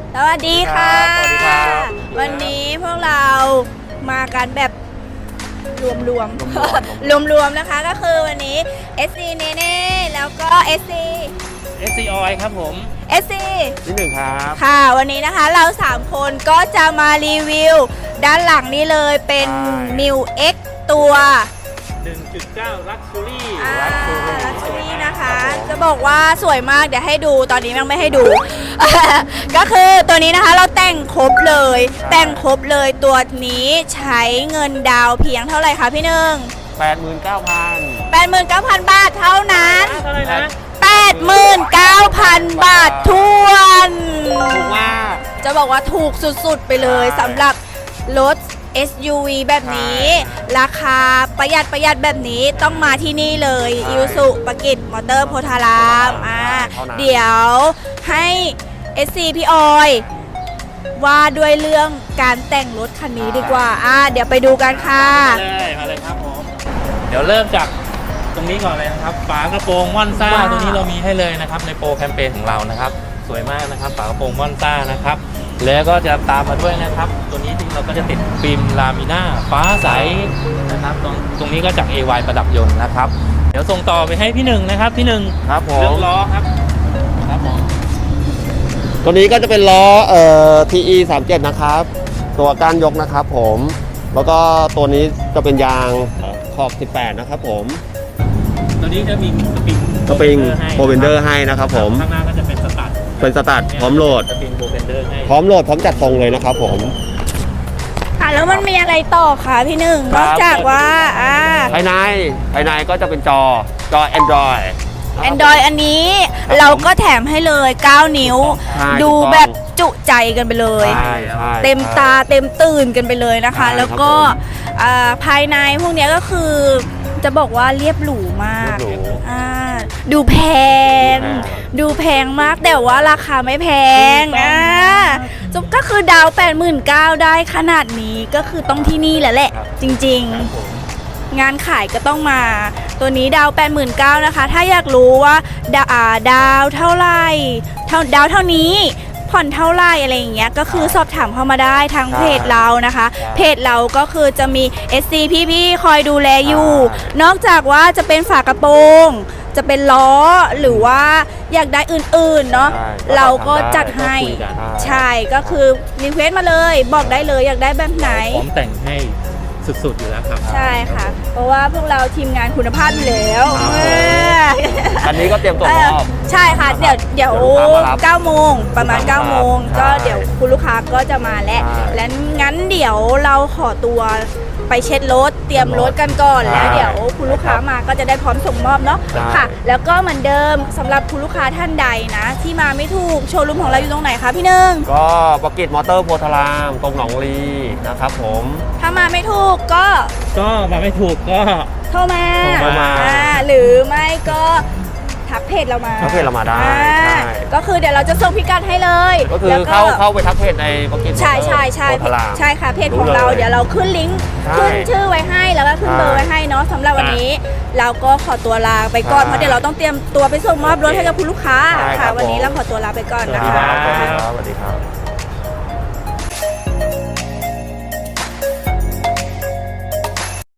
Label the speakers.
Speaker 1: สวัสดีค่ะ
Speaker 2: สวัสดีครับ
Speaker 1: วันนี้พวกเรามากันแบบรวมๆนะคะก็คือวันนี้ SC เนเน่แล้วก็ SC
Speaker 3: Oil ครับผม
Speaker 1: SC
Speaker 2: ที่หนึ่งครับ
Speaker 1: ค่ะวันนี้นะคะเรา3คนก็จะมารีวิวด้านหลังนี้เลยเป็น New X ตัว
Speaker 3: 1.9 Luxury
Speaker 1: ลักชัวรี่นะคะ จะบอกว่าสวยมากเดี๋ยวให้ดูตอนนี้ยังไม่ให้ดู ก็คือตัวนี้นะคะเราแต่งครบเลยตัวนี้ใช้เงินดาวเพียงเท่าไหร่คะพี่หนึ่ง
Speaker 2: 89,000
Speaker 1: 89,000 บาทเท่านั้น
Speaker 3: เท่าไหร่นะ
Speaker 1: 89,000 บาททวน
Speaker 2: ถูกมาก
Speaker 1: จะบอกว่าถูกสุดๆไปเลยสำหรับรถ SUV แบบนี้ ราคาประหยัดแบบนี้ต้องมาที่นี่เลยอิวสุปกิจมอเตอร์โพธารามเดี๋ยวให้ SC พี่ออยว่าด้วยเรื่องการแต่งรถคันนี้ดีกว่าเดี๋ยวไปดูกันค่ะ
Speaker 3: มาเลยครับผม เดี๋ยวเริ่มจากตรงนี้ก่อนเลยนะครับฝากระโปรงม่อนซ่า
Speaker 1: ว้าว
Speaker 3: ตัวนี้เรามีให้เลยนะครับในโปรแคมเปญของเรานะครับสวยมากนะครับฝากระโปรงม่อนซ่านะครับแล้วก็จะตามมาด้วยนะครับตัวนี้เราก็จะติดฟิล์มลามิน่าฟ้าใสนะครับตรงนี้ก็จาก AY ประดับยนต์นะครับเดี๋ยวส่งต่อไปให้พี่หนึ่งนะครับพี่หนึ่ง
Speaker 2: ครับผ
Speaker 3: เลือ
Speaker 2: ม
Speaker 3: กล้อครับผม
Speaker 2: ตัวนี้ก็จะเป็นล้อTE 37นะครับตัวก้านยกนะครับผมแล้วก็ตัวนี้จะเป็นยางขอบ18นะครับผม
Speaker 3: ตัวนี้จะมีสปริง
Speaker 2: โปรเบนเดอร์ให้นะครับผม
Speaker 3: ข้างหน้าก็จะเป็นสตาร์ท
Speaker 2: เป็นสตาร์ทพร้อมโหลด
Speaker 3: สปริงโปรเบนเดอร์ให้
Speaker 2: พร้อมโหลดพร้อมจัดทรงเลยนะครับผม
Speaker 1: แล้วมันมีอะไรต่อคะพี่หนึ่ง
Speaker 2: คน รั
Speaker 1: อบ กจากว่า
Speaker 2: ภายในก็จะเป็นจอ Android
Speaker 1: Android อันนี้เราก็แถมให้เลย 9 นิ้ว
Speaker 2: ใช่
Speaker 1: ดู
Speaker 2: ถูกต้อง
Speaker 1: แบบจุใจกันไปเลย
Speaker 2: ใช่ใช่
Speaker 1: เต็มตาเต็มตื่นกันไปเลยนะคะ
Speaker 2: ใช่
Speaker 1: แล้วก็
Speaker 2: ครับผม
Speaker 1: ภายในพวกเนี้ยก็คือจะบอกว่าเรียบหรูมาก
Speaker 2: เรียบหรู
Speaker 1: ดูแพง
Speaker 2: อ่า
Speaker 1: ดูแพงมากแต่ว่าราคาไม่แพงก็คือดาว 89,000 ได้ขนาดนี้ก็คือต้องที่นี่แหละ จริง
Speaker 3: ครับผม
Speaker 1: ๆ งานขายก็ต้องมา ตัวนี้ดาว 89,000 นะคะ ถ้าอยากรู้ว่าดาวเท่าไหร่ดาวเท่านี้ผ่อนเท่าไหร่อะไรอย่างเงี้ยก็คือสอบถามเข้ามาได้ทางเพจเรานะคะ เพจเราก็คือจะมี SC พี่ๆคอยดูแลอยู่ นอกจากว่าจะเป็นฝากระโปรง จะเป็นล้อหรือว่าอยากได้อื่นๆเนาะ
Speaker 2: ใช่
Speaker 1: เราก็จัดให้
Speaker 3: ก็คุยกัน
Speaker 1: ใช่ก็คือรีเควสมาเลยบอกได้เลยอยากได้แบบไหน
Speaker 3: พร้อมแต่งให้สุดๆอยู่แล้วครับ
Speaker 1: ใช่ค่ะ เพราะว่าพวกเราทีมงานคุณภาพอยู่แล้ว
Speaker 2: ครับ
Speaker 1: เออ
Speaker 2: อันนี้ก็เตรียมตัวมอบ
Speaker 1: ใช่ค่ะ เดี๋ยว
Speaker 2: เดี๋ยวลูกค้ามารับ
Speaker 1: 9 โมงประมาณ 9 โมง
Speaker 2: ใช่
Speaker 1: ก็เดี๋ยวคุณลูกค้าก็จะมาแล้ว
Speaker 2: ใช่
Speaker 1: และงั้นเดี๋ยวเราขอตัวไปเช็ดรถเตรียมรถกันก่อน
Speaker 2: ใช่
Speaker 1: แล้วเดี๋ยวคุณลูกค้ามาก็จะได้พร้อมส่งมอบเนาะ
Speaker 2: ใช่
Speaker 1: ค่ะ แล้วก็เหมือนเดิมสำหรับคุณลูกค้าท่านใดนะ ที่มาไม่ถูกโชว์รูมของเราอยู่ตรงไหนคะพี่หนึ่ง
Speaker 2: ก็ปกิจมอเตอร์โพธารามตรงหนองลีนะครับผม
Speaker 1: ถ้ามาไม่ถูกก็
Speaker 3: ก็มาไม่ถูกก็
Speaker 1: โทรมา
Speaker 3: โทรมา
Speaker 1: หรือไม่ก็ทักเพจเรามา
Speaker 2: ทักเพจเรามาได้
Speaker 1: อ่า
Speaker 2: ใช่
Speaker 1: ก็คือเดี๋ยวเราจะส่งพิกัดให้เลย
Speaker 2: ก็คือ
Speaker 1: แล้ว
Speaker 2: เข้าไปทักเพจในปกิจ
Speaker 1: ใช่ใช่ใช่
Speaker 2: โพธาราม
Speaker 1: ใช่ค่ะเพจของเรา
Speaker 2: รู้เลย
Speaker 1: เดี๋ยวเราขึ้นลิงก์
Speaker 2: ใช่
Speaker 1: ขึ้นชื่อไว้ให้แล้วก็ขึ้น
Speaker 2: ใช่
Speaker 1: เบอร์ไว้ให้เนาะสำหรับวันนี้ เราก็ขอตัวลาไปก่อน
Speaker 2: ใช่
Speaker 1: เพราะเดี๋ยวเราต้องเตรียมตัวไปส่งมอบรถให้กับคุณลูกค้า
Speaker 2: ใช่ครั
Speaker 1: ค่ะ
Speaker 2: บ
Speaker 1: วันนี้
Speaker 2: ผม
Speaker 1: เราขอตัวลาไปก่อนนะ
Speaker 2: สวัสดี
Speaker 1: คะ
Speaker 2: ครับสวัสดีครับ